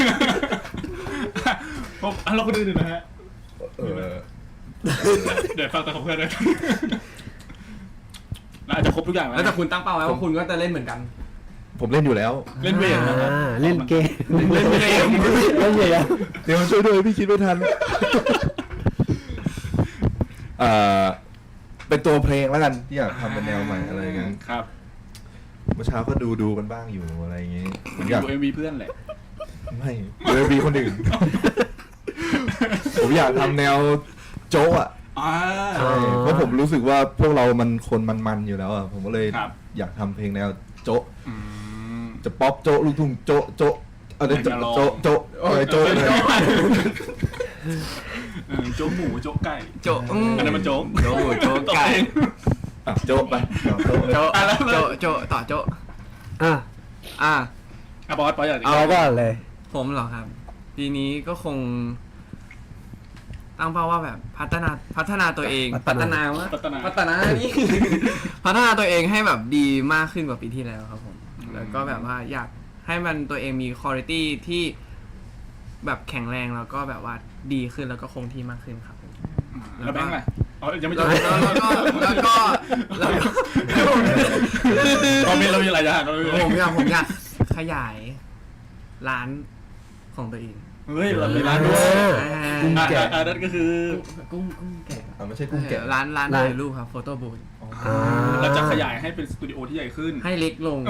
[SPEAKER 1] ผมอ่ะเราก็ดูนะฮะ
[SPEAKER 3] เออ
[SPEAKER 1] เดี๋ยวฟังแต่ของเพื่อนเลยเราอาจจะครบทุกอย่างแล้ว
[SPEAKER 2] แล้วแต่
[SPEAKER 1] นะ
[SPEAKER 2] คุณตั้งเป้าไว้ว่าคุณก็จะเล่นเหมือนกัน
[SPEAKER 3] ผมเล่นอยู่แล้ว
[SPEAKER 1] เล่นเวทนะครับ
[SPEAKER 4] อ่าเล่นเกม
[SPEAKER 1] เล่นเกม
[SPEAKER 4] เล่นเกม
[SPEAKER 3] เดี๋ยวมาช่วยด้วยพี่คิดไม่ทันเอ่อเป็นตัวเพลงแล้วกันที่อยากทำเป็นแนวใหม่อะไรอย่างเงี้ย
[SPEAKER 1] ครับ
[SPEAKER 3] เมื่อเช้าก็ดูดูกันบ้างอยู่อะไรอย่างเงี้ยผมอยาก
[SPEAKER 1] ดูเอ็มวีเพื่อนแหละ
[SPEAKER 3] ไม่เลยมีคนอื่น ผมอยากทำแนวโจ๊ะอ่ะ
[SPEAKER 1] อ่า
[SPEAKER 3] ใช่เพราะผมรู้สึกว่าพวกเรามันคนมันๆอยู่แล้วอ่ะผมก็เลย
[SPEAKER 1] ครับ
[SPEAKER 3] อยากทำเพลงแนวโจ๊ะ
[SPEAKER 1] อืม
[SPEAKER 3] จะป๊อปโจ๊ะลูกทุ่งโจ๊ะโจ๊ะเอาเดี๋ยว
[SPEAKER 1] อยากจะลอง
[SPEAKER 3] โจ๊ะโจ๊ะโจ๊ะโจ๊ะเลย
[SPEAKER 1] เออโจ๊กหมูโจ๊กไก่
[SPEAKER 2] โจอืม
[SPEAKER 1] อันนั้นมันโจ๊ก
[SPEAKER 2] โจโจไก่
[SPEAKER 3] อ่ะโจ๊ะไปเอาโจ๊ะเลย
[SPEAKER 2] โจ
[SPEAKER 1] อ่ะแล้ว
[SPEAKER 2] โจโจต่อโจ
[SPEAKER 4] อ่ะ
[SPEAKER 2] อ่ะ
[SPEAKER 1] อ่ะบอสบอสอยากจะ
[SPEAKER 4] เอาก่อนเลย
[SPEAKER 2] ผมเหรอครับ ปีนี้ก็คง ตั้งเป้าว่าแบบพัฒนาพัฒนาตัวเอง
[SPEAKER 4] พัฒนา
[SPEAKER 2] วะ
[SPEAKER 1] พัฒนา
[SPEAKER 2] พัฒนานี่ พัฒนาตัวเองให้แบบดีมากขึ้นกว่าปีที่แล้วครับผม แล้วก็แบบว่าอยากให้มันตัวเองมีคุณภาพที่แบบแข็งแรงแล้วก็แบบว่าดีขึ้นแล้วก็คงที่มากขึ้นครับผม
[SPEAKER 1] แล้วแบงค์ล่ะอ๋อยังไม่
[SPEAKER 2] แล้
[SPEAKER 1] จ
[SPEAKER 2] ว
[SPEAKER 1] บ
[SPEAKER 2] แล้วก็แล้วก็แล้วก็
[SPEAKER 1] เรามีเรามีหลายอย่างเรามี
[SPEAKER 2] ผมอยากผมอยากขยายร้านของตัวเอง
[SPEAKER 1] เฮ้ยเรามีร้านด้วย
[SPEAKER 2] อ่า
[SPEAKER 4] กุ้ง
[SPEAKER 1] อ่ะ
[SPEAKER 4] แกะ
[SPEAKER 1] อ่ะอ่ะนั่นก็คือ
[SPEAKER 2] กุ้งกุ้งแกะ
[SPEAKER 3] อ่ะไม่ใช่กุ้งแกะ
[SPEAKER 2] ร้านร้าน
[SPEAKER 4] ร้าน
[SPEAKER 2] ถ่ายรูปครับโฟโต้บูธ
[SPEAKER 4] อ่า
[SPEAKER 1] เราจะขยายให้เป็นสตูดิโอที่ใหญ่ขึ้น
[SPEAKER 2] ให้เล็กลง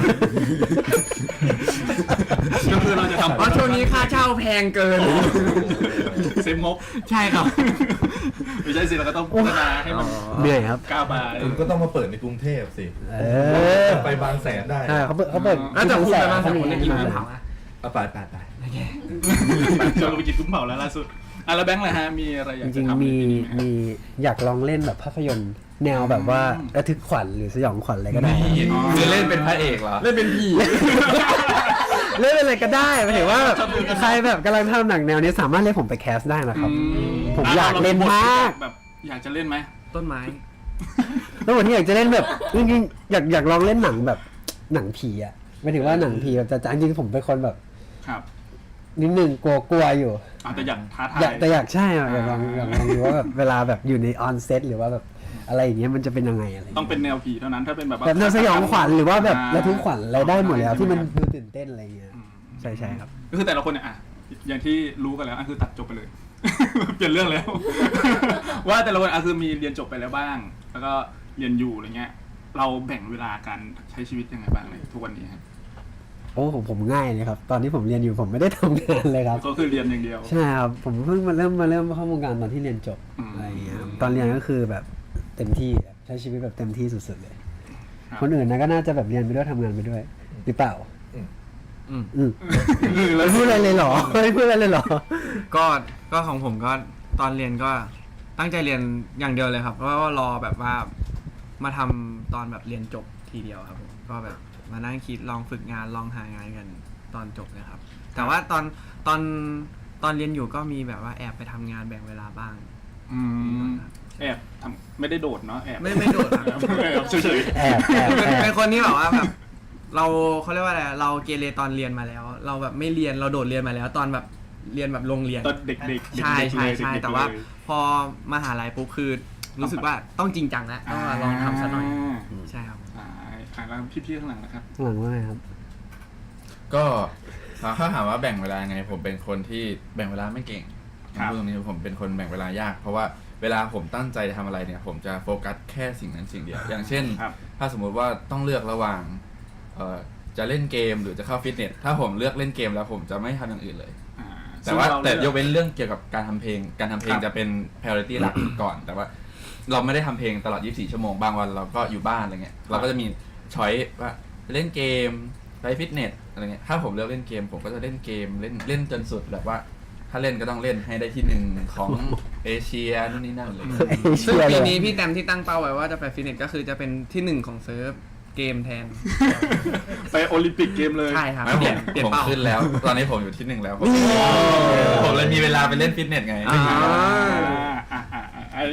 [SPEAKER 1] ก็คือเราจะทำ
[SPEAKER 2] เพราะช่วงนี้ค่าเช่าแพงเกิน
[SPEAKER 1] เซฟงบ
[SPEAKER 2] ใช่ครับ
[SPEAKER 1] ไม่ใช่สิเราก็ต้องพัฒนาให้มัน
[SPEAKER 4] เหนื่อยครับ
[SPEAKER 1] ก้าวไป
[SPEAKER 3] คุณก็ต้องมาเปิดในกรุงเทพสิ
[SPEAKER 4] เออ
[SPEAKER 3] ไปบางแสนได้
[SPEAKER 4] ใช่เขาเปิดเขาเปิด
[SPEAKER 2] แล้วแต่คุณไปมา
[SPEAKER 4] เขา
[SPEAKER 2] สาม
[SPEAKER 4] มี
[SPEAKER 2] คนได้กิน
[SPEAKER 4] มา
[SPEAKER 2] กุ้งเผาอะ
[SPEAKER 3] เอาไปไปไป
[SPEAKER 1] ชวนเราไปกินกุ้งเผาแล้วล่าสุดอ่ะแล้วแบงค์ล่ะฮะมีอะไรอยาก
[SPEAKER 4] จ
[SPEAKER 1] จะ
[SPEAKER 4] ริง
[SPEAKER 1] ทำ
[SPEAKER 4] ๆ
[SPEAKER 1] ใน
[SPEAKER 4] มี
[SPEAKER 1] ปีนี้ไหม
[SPEAKER 4] มีอยากลองเล่นแบบภาพยนตร์แนวแบบว่า
[SPEAKER 1] อืม
[SPEAKER 4] ระทึกขวัญหรือสยองขวัญอะไรก็ได้
[SPEAKER 5] คือเล่นเป็นพระเอกเหรอ
[SPEAKER 2] เล่นเป็นผี
[SPEAKER 4] เล่นอะไรก็ได้หมายถึงว่าแบบใครแบบกำลังทำหนังแนวนี้สามารถเรียกผมไปแคสได้นะครับ
[SPEAKER 1] อื
[SPEAKER 4] ผมอยากเล่นมาก
[SPEAKER 1] แบบอยากจะเล่นไหม
[SPEAKER 2] ต้นไม้
[SPEAKER 4] แล้ววันนี้อยากจะเล่นแบบจริงๆอยากอยากลองเล่นหนังแบบหนังผีอ่ะหมายถึงว่าหนังผีแบบจะจริงๆผมเป็นคนแบบ
[SPEAKER 1] ครับ
[SPEAKER 4] นิดนึงกลัวกลัวอยู่
[SPEAKER 1] อาจจะอยากท้าทาย
[SPEAKER 4] อยากแต่อยากใช่อะอยากลองอยากลองดูว่าแบบเวลาแบบอยู่ในออนเซตหรือว่าแบบอะไรอย่างเงี้ยมันจะเป็นยังไงอะไรอย่าง
[SPEAKER 1] ต้อง
[SPEAKER 4] เงี้ย
[SPEAKER 1] เป็นแนวผีเท่านั้นถ้าเป็นแบบว่า
[SPEAKER 4] แบบแนวสยองขวัญหรือว่าแบบ
[SPEAKER 1] อ่า
[SPEAKER 4] ระทึกขวัญอะไรได้หมดแล้วที่มัน
[SPEAKER 1] ใช่ไห
[SPEAKER 4] ดูตื่นเต้นอะไรเงี้ย
[SPEAKER 1] อืม
[SPEAKER 4] ใช่ใช่ครับ
[SPEAKER 1] ก็คือแต่ละคนเนี่ยอ่ะอย่างที่รู้กันแล้วอ่ะคือตัดจบไปเลย เปลี่ยนเรื่องแล้ว ว่าแต่ละคนอ่ะคือมีเรียนจบไปแล้วบ้าง แล้วก็เรียนอยู่อะไรเงี้ย เราแบ่งเวลาการใช้ชีวิตยังไงบ้างในทุกวันนี้ครับ
[SPEAKER 4] โอ้ผมผมง่ายเลยครับ ตอนที่ผมเรียนอยู่ผมไม่ได้ทำงานเลยครับ
[SPEAKER 1] ก็คือเรียนอย่างเดียว
[SPEAKER 4] ใช่ครับผมเพิ่งมาเริ่มมาเริ่มเข้าวงการตอนที่เรียนจบ
[SPEAKER 1] อืม
[SPEAKER 4] อะไรเงี้ยครับตอนเรียนก็คือแบบเต็มที่ใช้ชีวิตแบบเต็มที่สุดๆเลย
[SPEAKER 1] ครับ
[SPEAKER 4] คนอื่นนะก็น่าจะแบบเรียนไปด้วยทำงานไปด้วยหรือเปล่า
[SPEAKER 2] อืม
[SPEAKER 4] อืมไม่พูดอะไรเลยเหรอไม่พูดอะไรเลยเหรอ
[SPEAKER 2] ก็ก็ของผมก็ตอนเรียนก็ตั้งใจเรียนอย่างเดียวเลยครับ เพราะว่ารอแบบว่ามาทำตอนแบบเรียนจบทีเดียวครับผมก็แบบมานั่งคิดลองฝึกงานลองหางานกันตอนจบนะครับ แต่ว่าตอนตอนตอนเรียนอยู่ก็มีแบบว่าแอบไปทำงานแบ่งเวลาบ้าง
[SPEAKER 1] อืมแอบทำไม่ได้โดดเนาะแอบ
[SPEAKER 2] ไม่ไม่โดดครับ
[SPEAKER 1] แอบเฉย
[SPEAKER 4] แอบแอบ
[SPEAKER 2] เป็น
[SPEAKER 4] แอบ
[SPEAKER 2] เป็นคนที่แบบว่าแบบ เราเขาเรียกว่าอะไรเราเกเรตอนเรียนมาแล้ว เราแบบไม่เรียนเราโดดเรียนมาแล้ว ตอนแบบเรียนแบบโรงเรียน
[SPEAKER 1] ๆตอนเด็กๆเด็กๆ
[SPEAKER 2] ใช่ใช่
[SPEAKER 1] เลย
[SPEAKER 2] ใช่
[SPEAKER 1] เด็กๆ
[SPEAKER 2] แต่ว่า
[SPEAKER 1] เลย
[SPEAKER 2] พอมหาลัยปุ๊บคือรู้สึกว่าต้องจริงจังแล้วต้องมาลองทำซะหน่อยใช่ครับ
[SPEAKER 1] อ่าอ่าแล้วพี่ๆข้างหลังนะครับ
[SPEAKER 4] หลังว่าไงครับ
[SPEAKER 5] ก็ถ้าถามว่าแบ่งเวลาไง ผมเป็นคนที่แบ่งเวลาไม่เก่ง
[SPEAKER 1] ครับ
[SPEAKER 5] พูดตรงนี้ผมเป็นคนแบ่งเวลายาก เพราะว่าเวลาผมตั้งใจทำอะไรเนี่ย ผมจะโฟกัสแค่สิ่งนั้นสิ่งเดียว อย่างเช่น
[SPEAKER 1] ครับ
[SPEAKER 5] ถ้าสมมุติว่าต้องเลือกระหว่างเอ่อจะเล่นเกมหรือจะเข้าฟิตเนส ถ้าผมเลือกเล่นเกมแล้วผมจะไม่ทำอย่างอื่นเลย
[SPEAKER 1] อ่า
[SPEAKER 5] แต่ว่า
[SPEAKER 1] ซึ่งเร
[SPEAKER 5] แต่ย
[SPEAKER 1] ลือก
[SPEAKER 5] เว้นเรื่องเกี่ยวกับการทำเพลง การทำเพลง
[SPEAKER 1] ครับ
[SPEAKER 5] จะเป็น priority หลัก ก่อน แต่ว่าเราไม่ได้ทำเพลงตลอดยี่สิบสี่ชั่วโมง บางวันเราก็อยู่บ้านอะไรเงี้ย เราก็จะมีช้อยว่าเล่นเกมไปฟิตเนสอะไรเงี้ย ถ้าผมเลือกเล่นเกม ผมก็จะเล่นเกมเล่นเล่นจนสุดแบบว่า ถ้าเล่นก็ต้องเล่นให้ได้ที่หนึ่งของเอเชียนู่นนี่นั่นเลย
[SPEAKER 2] ซึ่งปีนี้พี่แตมที่ตั้งเป้าไว้ว่าจะไปฟิตเนสก็คือจะเป็นที่หนึ่งของเซิร์ฟเกมแทน
[SPEAKER 1] ไปโอลิมปิกเกมเลย
[SPEAKER 2] ใช่ครับ
[SPEAKER 5] ไม่ผ
[SPEAKER 2] เปลี่ย
[SPEAKER 5] ม
[SPEAKER 2] นเปลี่ยน
[SPEAKER 5] ผม
[SPEAKER 2] เป้า
[SPEAKER 5] ขึ้นแล้ว ตอนนี้ผมอยู่ที่หนึ่งแล้ว ผมผมเลยมีเวลาไปเล่นฟิตเนสไง
[SPEAKER 2] อ่า
[SPEAKER 1] อ่าอ่าอ่าอ่า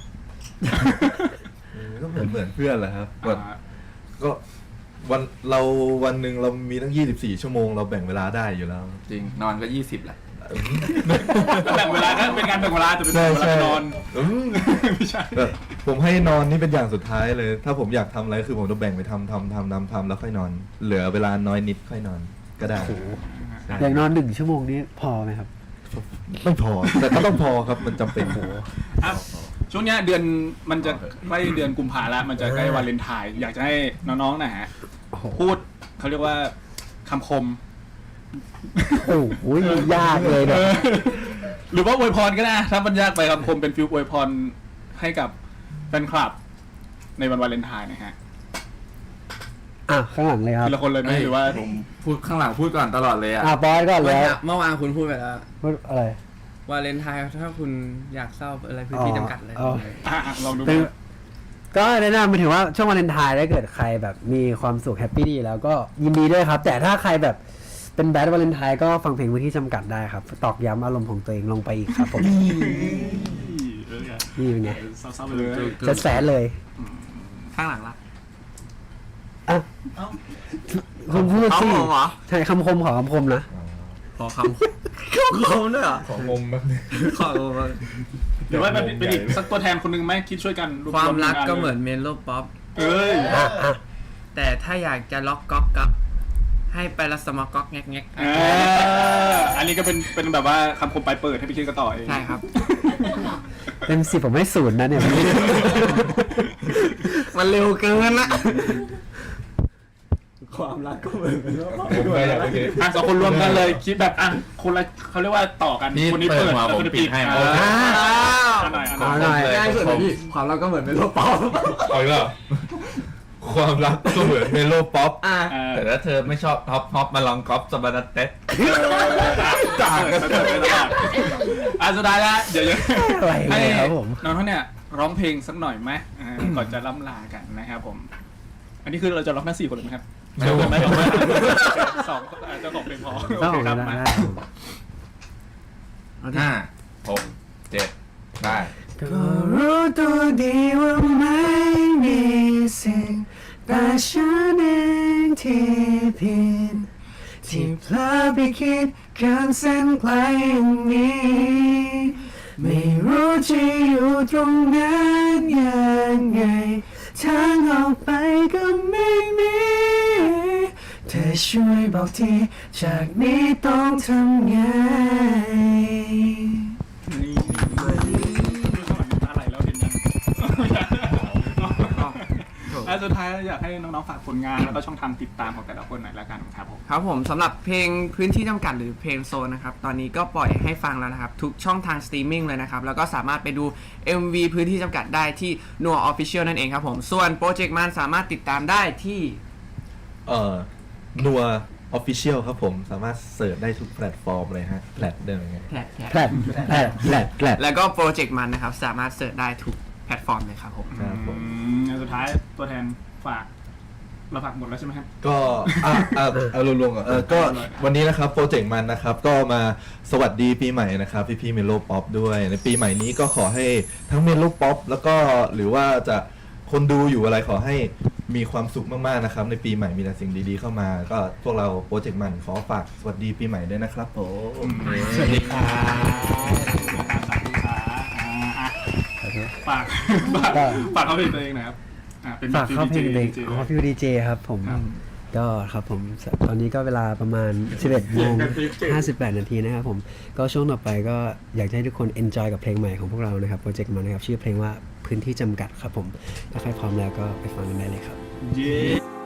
[SPEAKER 3] ก็เหมือนเหมือนเพื่อนแหละครับวัน
[SPEAKER 1] อ่า
[SPEAKER 3] ก็วันเราวันหนึ่งเรามีตั้งยี่สิบสี่ชั่วโมงเราแบ่งเวลาได้อยู่แล้ว
[SPEAKER 5] จริงนอนก็ยี่สิบแหละ
[SPEAKER 3] เ
[SPEAKER 1] แบ่งเวลาก็เป็นการแบ่งเวลาแต่เป็น
[SPEAKER 3] ใช่
[SPEAKER 1] เวลา
[SPEAKER 3] ใช่
[SPEAKER 1] ไปนอน
[SPEAKER 3] อืม
[SPEAKER 1] ไม่ใช่
[SPEAKER 3] แบบผมให้นอนนี่เป็นอย่างสุดท้ายเลย ถ้าผมอยากทำอะไรคือผมจะแบ่งไปทำทำทำทำทำแล้วค่อยนอน เหลือเวลาน้อยนิดค่อยนอนก็ได้ใช่
[SPEAKER 4] อย่างนอนหนึ่งชั่วโมงนี้พอไหมครับ
[SPEAKER 3] ไม่พอ แต่ก็ต้องพอครับมันจำเป็น
[SPEAKER 1] อ่ะช่วงเนี้ยเดือนมันจะใกล้เดือนกุมภาแล้วมันจะใกล้วันเลนไทน์อยากจะให้น้องๆนะฮะ
[SPEAKER 4] โอ้โห
[SPEAKER 1] พูดเขาเรียกว่าคำคม
[SPEAKER 4] โอ้โหยากเลยเนี่ย
[SPEAKER 1] เออหรือว่าอวยพรก็ได้ถ้ามันยากไปคำคมเป็นฟิลอวยพรให้กับแฟนคลับในวันวาเลนไทน์นะฮะ
[SPEAKER 4] อ่ะข้างหลังเลยครับ
[SPEAKER 1] ทีละคนเลยไหมหรือว่า
[SPEAKER 5] ผมพูดข้างหลังพูดก่อนตลอดเลยอ่ะ
[SPEAKER 4] อ่ะบอสก่อนเลย
[SPEAKER 2] เมื่อวานคุณพูดไปแล้ว
[SPEAKER 4] พูดอะไร
[SPEAKER 2] วาเลนไทน์ถ้าคุณอยากเศร้าอะไรพื้นที่จำกัดเลย
[SPEAKER 4] อ๋อ
[SPEAKER 1] อ่ะลองดู
[SPEAKER 4] เป็นก็แนะนำไปถึงว่าช่วงวาเลนไทน์ถ้าเกิดใครแบบมีความสุขแฮปปี้ดีแล้วก็ยินดีด้วยครับ แต่ถ้าใครแบบเป็นแบดวาเลนไทน์ก็ฟังเพลงพื้นที่จำกัดได้ครับ ตอกย้ำอารมณ์ของตัวเองลงไปอีกครับผม
[SPEAKER 1] เออ
[SPEAKER 4] นี่เป็นไง
[SPEAKER 1] เศร้าๆไปเลย
[SPEAKER 4] จะแสนเลย
[SPEAKER 2] ข้างหลังละ
[SPEAKER 4] อ่ะคุณพูด
[SPEAKER 2] เอา
[SPEAKER 4] สิ
[SPEAKER 2] ผมเหรอ
[SPEAKER 4] ใช่คำคมขอคำคมนะ
[SPEAKER 2] ขอคำคำด้วยเหรอ
[SPEAKER 3] ของงมแบบนี้
[SPEAKER 2] ขอคำ
[SPEAKER 1] หรือว่าเป็นเป็นอีกสักตัวแทนคนหนึ่งไหมคิดช่วยกันว
[SPEAKER 2] ความรัก
[SPEAKER 1] ว
[SPEAKER 2] ก็เหมือนเมโลป๊อป
[SPEAKER 1] เอ้ย
[SPEAKER 4] อ่ะอ่ะ
[SPEAKER 2] แต่ถ้าอยากจะล็อกก๊อกกับให้ไปละสมก๊อกแงกแงก
[SPEAKER 1] เอออันนี้ก็เป็นเป็นแบบว่าคำคมปลายเปิดให้ไปคิดกันต่อเอง
[SPEAKER 2] ใช่ครับ
[SPEAKER 4] เต็มสิบผมให้ศูนย์นะเนี่ย
[SPEAKER 2] มันเร็วเกินละ
[SPEAKER 4] ความรักก็เหมือนเป็น
[SPEAKER 3] ผมก็อยากโอเค
[SPEAKER 1] อ่ะสองคนรวมกันเลยคิดแบบอ่ะคนละเขาเรียกว่าต่อกัน
[SPEAKER 5] พี่
[SPEAKER 1] คนนี้เปิด
[SPEAKER 5] เปิดมา
[SPEAKER 1] แล้วคนนี้ปิด
[SPEAKER 5] ผมปิดให้
[SPEAKER 1] อ่า
[SPEAKER 5] อ่า
[SPEAKER 1] อันหน่อยอันห
[SPEAKER 4] เอา
[SPEAKER 1] น่อย
[SPEAKER 4] หน่อย
[SPEAKER 5] ง่ายสุดเลยพี่
[SPEAKER 4] ความรักก็เหมือนเป็นโลกปอม
[SPEAKER 3] เอาอีกแล้วเหรอความรักก็เหมือนเมโลป๊อป
[SPEAKER 2] อ่ะ
[SPEAKER 1] เออ
[SPEAKER 5] แต่ถ้าเธอไม่ชอบฮอปฮอปมาลองก๊อปสบันเต็ด
[SPEAKER 1] ต่างกันไปตลอดอ่ะสุดท้ายแล้วเดี๋ยวจะ
[SPEAKER 4] อะไร
[SPEAKER 1] ให้
[SPEAKER 4] เลยครับผม
[SPEAKER 1] น้องเขาเนี่ยร้องเพลงสักหน่อยไหมอ่าก่อนจะล่ำลากันนะครับผม อันนี้คือเราจะร้องทั้งสี่คนเลยไหมครับ
[SPEAKER 5] ไม่
[SPEAKER 1] เชิญ
[SPEAKER 5] ผม
[SPEAKER 1] ไหม
[SPEAKER 5] ไม่
[SPEAKER 1] สองอาจจะสองเพลงพอ
[SPEAKER 4] ต้
[SPEAKER 1] โอ
[SPEAKER 4] อง
[SPEAKER 1] เคครับ
[SPEAKER 4] ได้
[SPEAKER 1] มา
[SPEAKER 4] ได้
[SPEAKER 5] ห้าหกเจ็ดได้
[SPEAKER 4] ก็รู้ตัวดีว่าไม่มีสิ่งแต่ฉันเองที่ผิดที่เพลอไปคิดเกินเส้นไกลอย่างนี้ ไม่รู้จะอยู่ตรงนั้นยังไงทางออกไปก็ไม่มีเธอช่วยบอกทีจากนี้ต้องทำไง
[SPEAKER 1] นี่ดูสมัยน้ำตาไหลแล้วเห็นยังอ่ะสุดท้ายอยากให้น้องๆฝากผลงานแล้วก็ช่องทางติดตามของแต่ละคนหน่อยละกันครับผม
[SPEAKER 2] ครับผมสำหรับเพลงพื้นที่จำกัดหรือเพลงโซนนะครับ ตอนนี้ก็ปล่อยให้ฟังแล้วนะครับ ทุกช่องทางสตรีมมิ่งเลยนะครับ แล้วก็สามารถไปดู เอ็ม วี พื้นที่จำกัดได้ที่ นัว Official นั่นเองครับผม ส่วนโปรเจกต์มันสามารถติดตามได้ที่
[SPEAKER 3] เอ่อนัวออฟฟิเชียลครับผมสามารถเสิร์ชได้ทุกแพลตฟอร์มเลยฮะแพลตเดิมไง
[SPEAKER 2] แพลต
[SPEAKER 4] แผลดแผลดแผลดแผลด
[SPEAKER 2] แล้วก็โปรเจกต์มันนะครับ สามารถเสิร์ชได้ทุกแพลตฟอร์มเลยครับผม
[SPEAKER 3] ครับผม
[SPEAKER 1] อืมสุดท้ายตัวแทนฝากเราฝากหมดแล้วใช่ไหมครับ
[SPEAKER 3] ก็อ่ะอ่ะเอารวมๆก่อนเออก็วันนี้นะครับโปรเจกต์มันนะครับก็มาสวัสดีปีใหม่นะครับพี่พี่เมโลป๊อปด้วยในปีใหม่นี้ก็ขอให้ทั้งเมโลป๊อปแล้วก็หรือว่าจะคนดูอยู่อะไรขอให้มีความสุขมากๆนะครับในปีใหม่มีแต่สิ่งดีๆเข้ามา ก็พวกเราโปรเจกต์มันขอฝากสวัสดีปีใหม่ด้วยนะครับผม
[SPEAKER 1] สวัสดีครับสาธุครับอ่าอ่ะฝากฝากฝากเขาเพลงตัวเองหน่อยครับอ่ะเป็น
[SPEAKER 4] ฝากเข้าเพลงเด็ก
[SPEAKER 1] จริงๆ
[SPEAKER 4] อ๋อฟิวดีเจครับผม
[SPEAKER 1] ครับ
[SPEAKER 4] ก็ครับผมตอนนี้ก็เวลาประมาณ สิบเอ็ดโมงห้าสิบแปดนาทีนะครับผมก็ช่วงต่อไปก็อยากให้ทุกคน enjoy กับเพลงใหม่ของพวกเรานะครับโปรเจกต์มันนะครับชื่อเพลงว่าพื้นที่จำกัดครับผมถ้าใครพร้อมแล้วก็ไปฟังกันได้เลยครับ
[SPEAKER 1] เย้